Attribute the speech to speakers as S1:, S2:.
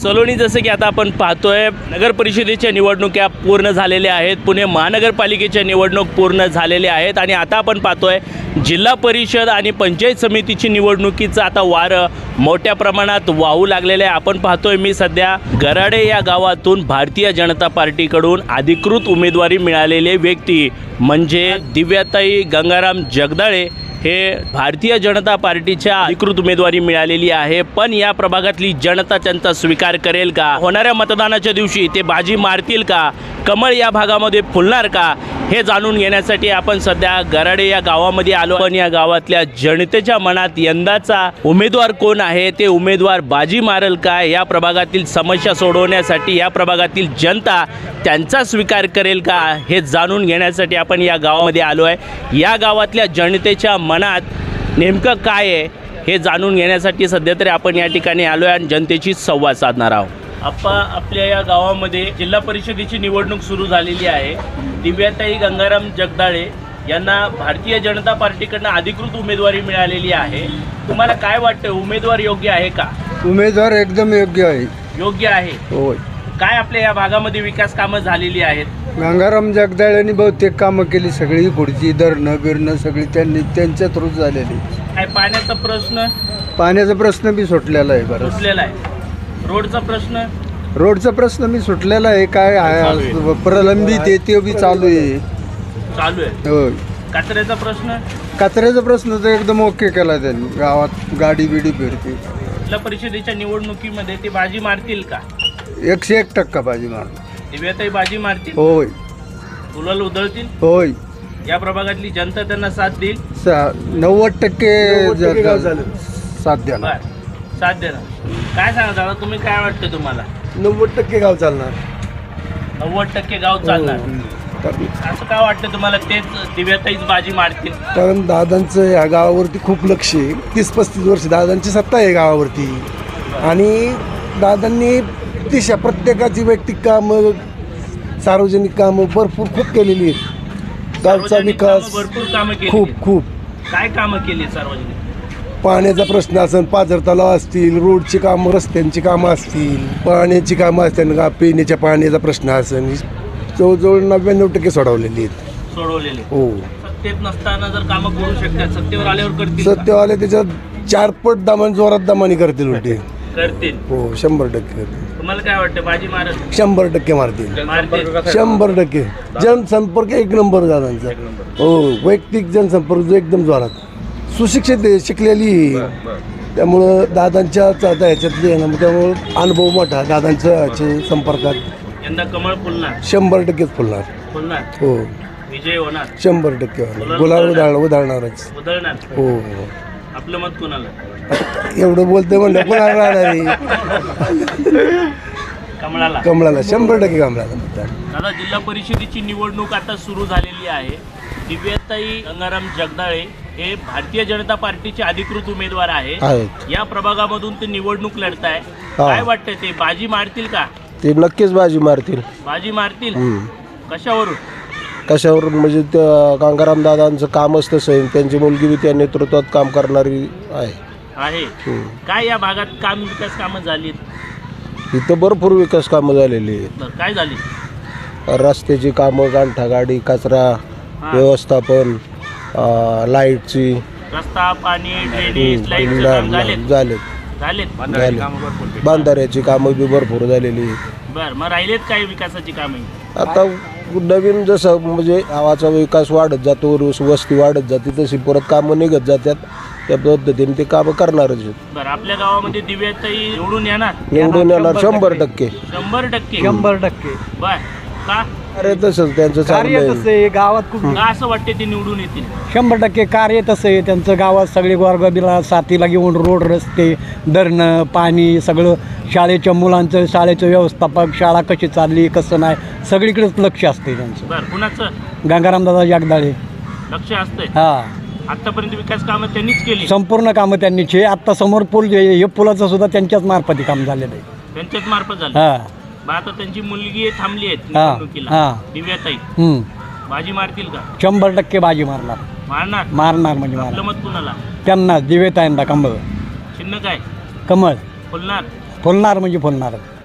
S1: सलोनी जसं की आता आपण पाहतोय नगर परिषदेच्या निवडणुका पूर्ण झालेल्या आहेत, पुणे महानगरपालिकेच्या निवडणूक पूर्ण झालेल्या आहेत आणि आता आपण पाहतोय जिल्हा परिषद आणि पंचायत समितीची निवडणुकीचं आता वारं मोठ्या प्रमाणात वाहू लागलेलं आहे। आपण पाहतोय मी सध्या गराडे या गावातून भारतीय जनता पार्टीकडून अधिकृत उमेदवारी मिळालेले व्यक्ती म्हणजे दिव्याताई गंगाराम जगदाळे हे भारतीय जनता पार्टीच्या अधिकृत उमेदवारी मिळालेली आहे। पण या प्रभागातली जनता त्यांचा स्वीकार करेल का? होणाऱ्या मतदानाच्या दिवशी ते बाजी मारतील का? कमळ या भागामध्ये फुलणार का? हे जाणून घेण्यासाठी आपण सध्या गराडे या गावामध्ये आलो। पण या गावातल्या जनतेच्या मनात यंदाचा उमेदवार कोण आहे, ते उमेदवार बाजी मारेल का? या प्रभागातील समस्या सोडवण्यासाठी या प्रभागातील जनता त्यांचा स्वीकार करेल का? हे जाणून घेण्यासाठी आपण या गावामध्ये आलो आहे। या गावातल्या जनतेच्या मनात नेमकं काय आहे हे जाणून घेण्यासाठी सध्या तरी आपण या ठिकाणी आलो आहे आणि जनतेशी संवाद साधणार आहोत। आपल्या या गावामध्ये जिल्हा परिषदेची निवडणूक सुरू झालेली आहे। दिव्याताई गंगाराम जगदाळे यांना भारतीय जनता पार्टीकडून अधिकृत उमेदवारी मिळालेली आहे। तुम्हाला काय वाटतं, उमेदवार योग्य आहे का?
S2: उमेदवार एकदम योग्य आहे।
S1: योग्य आहे
S2: होय।
S1: काय आपल्या या भागामध्ये विकास कामं झालेली आहेत?
S2: गंगाराम जगदाळेंनी बहुतेक कामं केली, सगळी खुर्ची धरणं बिरणं सगळी त्यांच्या थ्रू झालेली।
S1: काय पाण्याचा प्रश्न?
S2: पाण्याचा प्रश्न बी सुटलेला आहे बरं।
S1: सुटलेला आहे। रोडचा प्रश्न?
S2: रोडचा प्रश्न बी सुटलेला आहे। काय आहे प्रलंबित आहे ते बी चालू आहे।
S1: चालू आहे।
S2: होय।
S1: कचऱ्याचा प्रश्न?
S2: कचऱ्याचा प्रश्न तर एकदम ओके केला त्यांनी। गावात गाडी बिडी फिरते।
S1: जिल्हा परिषदेच्या निवडणुकीमध्ये ते बाजी मारतील का?
S2: 101% बाजी मारणार।
S1: दिव्याताई बाजी मारतील?
S2: होय।
S1: गुलाल उधळतील?
S2: होय।
S1: या प्रभागातली जनता त्यांना साथ देईल?
S2: 90% साथ द्या।
S1: साथ देणार। काय सांगा दादा, तुम्ही काय वाटतं तुम्हाला?
S2: 90% गाव चालणार।
S1: 90% गाव चालणार। असं काय वाटतं तुम्हाला, तेच दिव्याताईच बाजी मारतील?
S2: कारण दादांचं या गावावरती खूप लक्ष आहे। 30-35 वर्ष दादांची सत्ता आहे गावावरती आणि दादांनी दिशा प्रत्येकाची वैयक्तिक कामं सार्वजनिक कामं भरपूर खूप केलेली आहेत। गावचा विकास
S1: भरपूर कामं केली।
S2: खूप
S1: काय कामं केली? सार्वजनिक
S2: पाण्याचा प्रश्न असेल, पाझर तलाव असतील, रोडची कामं रस्त्यांची कामं असतील, पाण्याची कामं असतील, पिण्याच्या पाण्याचा प्रश्न असेल, जवळजवळ 99% सोडवलेली आहेत।
S1: सोडवलेले
S2: हो।
S1: सत्तेत नसताना जर कामं करू शकतात, सत्तेवर आल्यावर करतील?
S2: सत्तेवाले त्याच्यात 4 पट जोरात दमानी करतील उलटे।
S1: करतील?
S2: हो 100% करतील।
S1: तुम्हाला काय वाटतं, बाजी मारल?
S2: 100% मारतील।
S1: मारतील
S2: 100%। जनसंपर्क एक नंबर दादांचा। हो वैयक्तिक जनसंपर्क जो एकदम जोरात। सुशिक्षित आहे, शिकलेली, त्यामुळं दादांच्या ह्याच्यातले आहे ना, त्यामुळं अनुभव मोठा दादांच्या संपर्कात।
S1: यंदा कमळ फुलणार?
S2: 100% फुलणार।
S1: फुलणार?
S2: हो।
S1: विजय होणार?
S2: 100% होणार। गुलाल उधळणारच।
S1: उधळणार?
S2: हो।
S1: आपलं मत कोणाला?
S2: एवढं बोलतोय म्हणलं कोणाला राहणार आहे?
S1: कमळाला?
S2: कमळाला 100% कमळाला।
S1: दादा, जिल्हा परिषदेची निवडणूक आता सुरू झालेली आहे। दिव्याताई गंगाराम जगदाळे हे भारतीय जनता पार्टीचे अधिकृत उमेदवार आहेत। या प्रभागामधून ते निवडणूक लढताय। काय वाटतंय, ते बाजी मारतील का?
S3: ते नक्कीच बाजी मारतील।
S1: बाजी मारतील? कशावरून?
S3: कशावरून म्हणजे त्या गंगाराम दादांचं कामच तसं आहे, त्यांची मुलगी बी त्या नेतृत्वात काम करणारी आहे।
S1: काय या भागात विकास कामं झाली?
S3: इथं भरपूर विकास कामं झालेली आहेत।
S1: काय झाली?
S3: रस्त्याची कामं, गांठागाडी, कचरा व्यवस्थापन, लाईटची,
S1: रस्ता, पाणी, ड्रेनेज, लाईटचं काम झालेत?
S3: बांधाऱ्याची कामं बी भरपूर झालेली।
S1: बरं, मग राहिलेत काय विकासाची कामे?
S3: आता नवीन जसं म्हणजे गावाचा विकास वाढत जातो, वस्ती वाढत जाते, तशी परत कामं निघत जातात, त्या पद्धतीने ते कामं करणारच आहेत।
S1: बरं, आपल्या गावामध्ये दिव्याताई निवडून येणार?
S3: 100%।
S1: 100%? बर, का?
S3: अरे तसंच त्यांचं
S4: कार्य तसं आहे गावात खूप।
S1: का असं वाटते ते निवडून येतील?
S4: 100% कार्य तसं आहे त्यांचं। गावात सगळे गोरगरिबाला साथीला घेऊन रोड, रस्ते, धरणं, पाणी सगळं, शाळेच्या मुलांचं, शाळेचं व्यवस्थापक, शाळा कशी चालली कसं नाही, सगळीकडेच लक्ष असते त्यांचं।
S1: बरं, कुणाचं?
S4: गंगारामदादा जगदाळे
S1: लक्ष असतंय?
S4: हां।
S1: आतापर्यंत विकास कामं त्यांनीच केली?
S4: संपूर्ण कामं त्यांनीच आहे। आत्ता समोर पूल जे हे पुलाचं सुद्धा त्यांच्याच मार्फती काम झालेलं आहे।
S1: त्यांच्याच मार्फत झालं?
S4: हां।
S1: मग आता त्यांची मुलगी थांबली आहे निवडणुकीला, दिव्याताई, बाजी मारतील का?
S4: 100% बाजी मारणार।
S1: मारणार?
S4: मारणार म्हणजे
S1: आपलं
S4: मारणार।
S1: मत कुणाला?
S4: त्यांना दिव्याताईंना कमळ।
S1: चिन्ह काय?
S4: कमळ
S1: फुलणार?
S4: फुलणार म्हणजे फुलणार.